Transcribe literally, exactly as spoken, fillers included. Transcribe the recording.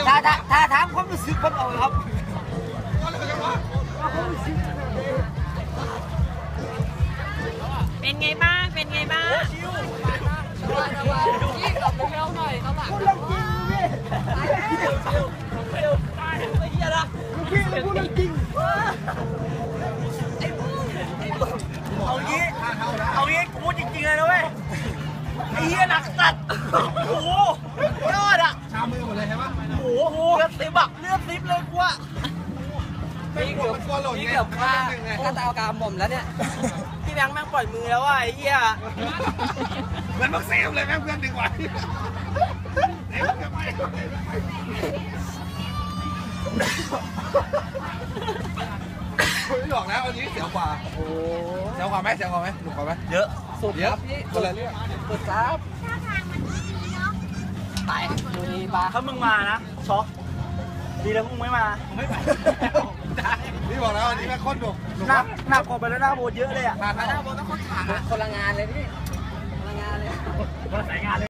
ถ้าถ้าถ้าถามความรู้สึกผมเอาครับเป็นไงบ้างเป็นไงบ้างพี่กลับไปเข้าหน่อยเขาหลังพูดเรื่องจริงพี่ไอ้เหี้ยนะพี่เราพูดเรื่องจริงเอางี้เอางี้กูพูดจริงๆเลยนะเว้ยไอ้เหี้ยหนักสัตว์โอ้โหยอดอ่ะชามือหมดเลยใช่ปะโอ้โหเลือดซิบอะเลือดซิบเลยกูอะพี่เกือบพี่เกือบฆ่าฆ่าตากรรมผมแล้วเนี่ยพี่แบงค์แม่งปล่อยมือแล้วว่ะไอ้เหี้ยเหมือนมักเซฟเลยแม่งเพื่อนดึงไว้ไม่หลอกแล้วอันนี้เสียวกว่าโอ้เสียวกว่าไหมเสียวกว่าไหมหนุกกว่าไหมเยอะสุดเยอะพี่คนละเรื่องสุดครับไปดูดีปะถ้ามึงมานะช็อกดีแล้วมึงไม่มาผมไม่ไปพี่บอกแล้วอันนี้แม่งโคตรดุหนักหนักกว่าไปแล้วหน้าโบนเยอะเลยอ่ะหน้าโบนต้องโคตรขาคนละงานเลยพี่คนละงานเลยคนละสายงานเลย